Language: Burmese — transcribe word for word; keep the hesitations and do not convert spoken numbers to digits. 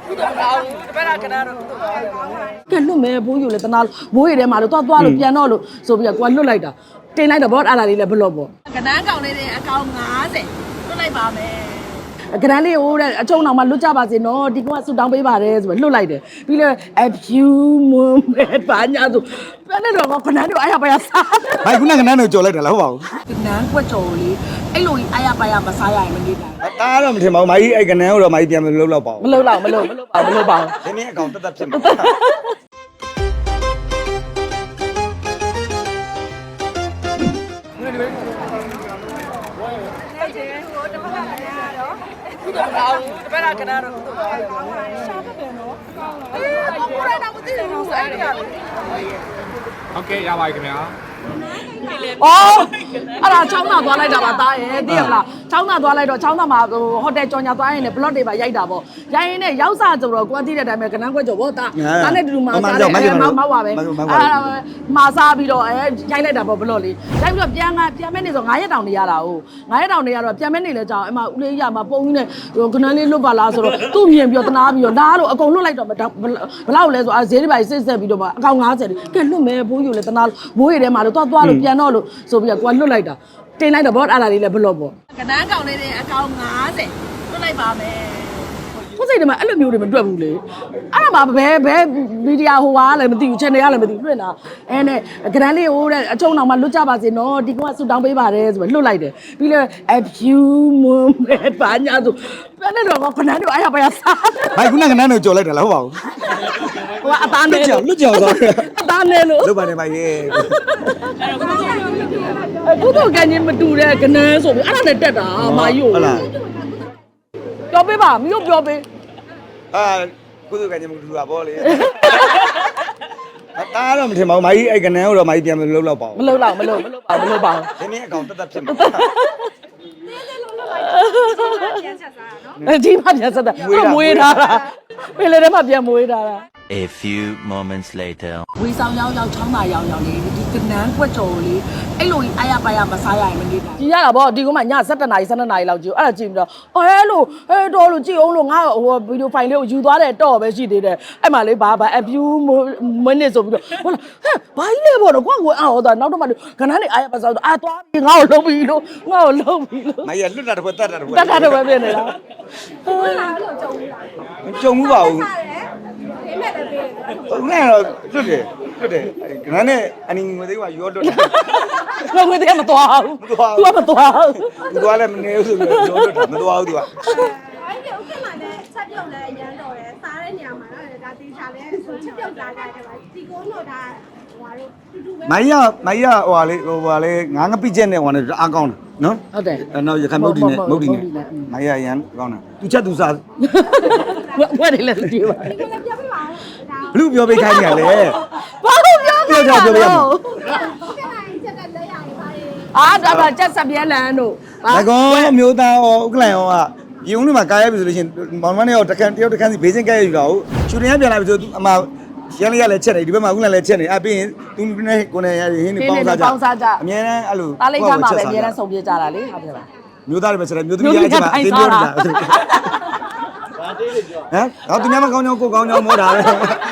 ကဲလွတ်မယ်ဘိုးယူလေတနာဘိုးရထဲမှာလို့သွားသွားလို့ပြန်တော့လို့ဆိုပြီးတော့ကိုကလွတ်လိုက်တာတင်လိုက်တော့ဘောအဲ့ဒါလေးလည်းဘလော့ပေါ့ကနန်းကောင်လေးတွေအကောင်၅၀လွတ်လိုက်ပါမယ်ကနန်းလေးဟိုတဲ့အချုံအောင်မှလွတ်ကြပါစေနော်ဒီကောင်ကဆူတောင်းပေးပါတယ်ဆိုပြီးလွတ်လိုက်တယ်ပြီးလဲ a few moment ဘာညာဆိုပြန်နေတော့ကနန်းတို့အားရပါရစားဘာခုနကနန်းတို့ကြော်လိုက်တယ်လားဟုတ်ပါဘူးကနန်းကွက်ကြော်လေးအဲ့လိုအားရပါရမစားရရင်မနေနိုင်တားတော့မထင်ပါဘူးမာကြီးအဲ့ကနန်းကိုတော့မာကြီးပြန်မလုပ်တော့ပါဘူးမလုပ်တော့မလုပ်မလုပ်ပါဘူးမလုပ်ပါဘူးဒီနေ့အကောင်တက်တက်ဖြစ်မှာတပည့်ကကနာတော့ရှားတယ်နော်အေးဘာလို့လဲတော့မသိဘူးအဲ့ဒီကဟုတ်ကဲ့ရပါပြီခင်ဗျာအော်အဲ့ဒါချောင်းသားသွားလိုက်တာပါသားရဲ့သိရမလားချောင်းသားသွားလိုက်တော့ချောင်းသားမှာဟိုဟိုတယ်ကြော်ညာသွားရင်လည်း block တွေပါရိုက်တာပေါ့ရိုက်ရင်လည်းရောက်စားဆိုတော့ကိုကသိတဲ့အတိုင်းပဲကနန်းခွက်ကြော်ပေါ့သားသားနဲ့တူတူမှာစားတယ်အဲမောက်မောက်ပါပဲအဲ့မှာစားပြီးတော့အဲရိုက်လိုက်တာပေါ့ block လေးရိုက်ပြီးတော့ပြန်ကပြန်မဲ့နေဆို9ရက်တောင်နေရတာ哦9ရက်တောင်နေရတော့ပြန်မဲ့နေလဲကြောင်အမဦးလေးရမှာပုံကြီးနဲ့ကနန်းလေးလွတ်ပါလားဆိုတော့သူ့မြင်ပြီးတော့တနာပြီးတော့နားတော့အကုန်လွတ်လိုက်တော့ဘလောက်လဲဆိုအဲဈေးတွေပါစစ်ဆက်ပြီးတော့အကောင်90ကဲလွတ်မယ်ဘိုးယူလေတနာဘိုးရထဲမှာလို့သွားသွားလို့ပြန်တော့လို့ဆိုပြီးတော့ကိုကလွတ်လိုက်တာတင်လိုက်တော့ဘောအဲ့ဒါလေးလည်းဘလော့ပေါ့ကနန်းကောင်လေးတွေအကောင်90လွတ်လိုက်ပါမယ်ကိုစိတ်ထဲမှာအဲ့လိုမျိုးတွေမတွက်ဘူးလေအဲ့ဒါမှဘယ်ဘယ်မီဒီယာဟိုဟာလည်းမသိဘူး channel ကလည်းမသိဘူးလွှင့်တာအဲနဲ့ကနန်းလေးဟိုတဲ့အချုံအောင်မှလွတ်ကြပါစေနော်ဒီကောင်ကဆူတောင်းပေးပါတယ်ဆိုပြီးလွတ်လိုက်တယ်ပြီးလဲ a few moment ဘာညာဆိုပြန်နေတော့ကနန်းတို့အားရပါရစားဘာခုနကနန်းတို့ကြော်လိုက်တယ်လားဟုတ်ပါဘူးဟိုကအသားနဲ့လို့လွတ်ကြော်သွားတယ်အသားနဲ့လို့လွတ်ပါနေပါရဲ့အခုတော့ကန်ကြီးမတူတဲ့ကနန်းဆိုပြီးအဲ့ဒါနဲ့တက်တာမာယူဟုတ်လားပြောပေးပါမြို့ပြောပေးအာကုသကညမတူတာပေါ့လေတားတော့မထင်ပါဘူးမာကြီးအဲ့ကနန်းကိုတော့မာကြီးပြန်မလုပ်တော့ပါမဘူးလုပ်တော့မလုပ်မလုပ်ပါဘူးမလုပ်ပါဘူးဒီနေ့အကောင်တက်တက်ဖြစ်မှာဒီမှာပြန်ဆက်တာမွေးထားတာပင်လေထဲမှာပြန်မွေးထားတာ A few moments later. ဝီဆောင်ရောက်ရောက်ချောင်းသာရောက်ရောက်လေးဒီကနန်းကွက်ကြော်လေးအဲ့လိုကြီးအားရပါရမစားရရင်မနေနိုင်ကြည်ရတာဗောဒီကမှည7နာရီ12နာရီလောက်ကြည့်အဲ့ဒါကြည့်ပြီးတော့အဲလိုအဲတော်လို့ကြည့်အောင်လို့ငါဟိုဗီဒီယိုဖိုင်လေးကိုယူသွားတယ်တော့ပဲရှိသေးတယ်အဲ့မှာလေးဘာဘာ a few minutes ဆိုပြီးတော့ဟုတ်လားဟဲ့ဘာကြီးလဲဗောတော့ကိုကကိုအော်တော့နောက်တော့မှကနန်းလေးအားရပါစားတော့အာသွားပြီးငါ့ကိုလုံးပြီးလို့ငါ့ကိုလုံးပြီးလို့မာကြီးလွတ်တာတစ်ခွက်တက်တာတစ်ခွက်တက်တာတော့ပဲပြင်နေတာဟုတ်လားအဲ့လိုကြုံဘူးလားကြုံမှုပါဘူးဒီမဲ့တည်းပေးတယ်ဟုတ်နဲ့တော့လွတ်တယ်လွတ်တယ်ကနန်းနဲ့အနီငွေသေးကရောလွတ်တယ်ငါငွေတည်းမသွားဘူး तू ကမသွားဘူးသူသွားလည်းမနေဘူးဆိုပြီးရောလွတ်တာမသွားဘူးသူက။အဲ့ဒီဥက္ကဋ္ဌလည်းချက်ပြုတ်လည်းအရန်တော်တယ်။စားတဲ့နေရာမှာတော့ဒါတေချာလည်းချက်ပြုတ်လာကြတယ်ပါ။ဒီကုန်းတော့ဒါဟိုဟာတို့တူတူပဲမိုင်းရမိုင်းရဟိုဟာလေးဟိုဟာလေးငါးငပိချက်နဲ့ဟိုဟာနဲ့အားကောင်းတယ်နော်ဟုတ်တယ်အဲ့တော့ရခိုင်မုတ်ဒီနဲ့မုတ်ဒီနဲ့မိုင်းရရန်ကောင်းတယ်သူချက်သူစားဝက်တယ်လည်းကြည့်ပါ။ဒီကုန်းလည်းပြောပြပါဦး။ဒါဘလူပြောပေးခိုင်းနေရလေဘာလို့ပြောပြောကြပြောပြရမှာဥက္ကဋ္ဌကြီးချက်ကလက်ရည်ပါလေအာဒါပါချက်စပြဲလန်တို့ဒါကောင်မျိုးသားဟောဥက္ကလန်ဟောကဒီုံးလေးမှာကားရပြီဆိုလို့ရှိရင်မောင်မနဲ့ဟောတကန်တယောက်တကန်စီဘေးစင်းကဲရယူတာဟုတ်ချူတင်ရပြန်လာပြီဆိုသူအမရန်လေးရလည်းချက်နေဒီဘက်မှာဥက္ကလန်လည်းချက်နေအပြီးရင်သူနဲ့ကိုနေရဟင်းနေပေါင်းစားကြအမြဲတမ်းအဲ့လိုတားလိုက်ခါမှာပဲအများနဲ့ဆုံပြေကြတာလေဟုတ်ပြီလားမျိုးသားတွေပဲချက်တယ်မျိုးသမီးရချက်မှာအတင်းပြောနေတာဟမ်တော့သူများမကောင်းကြောင်းကိုကောင်းကြောင်းမောတာပဲ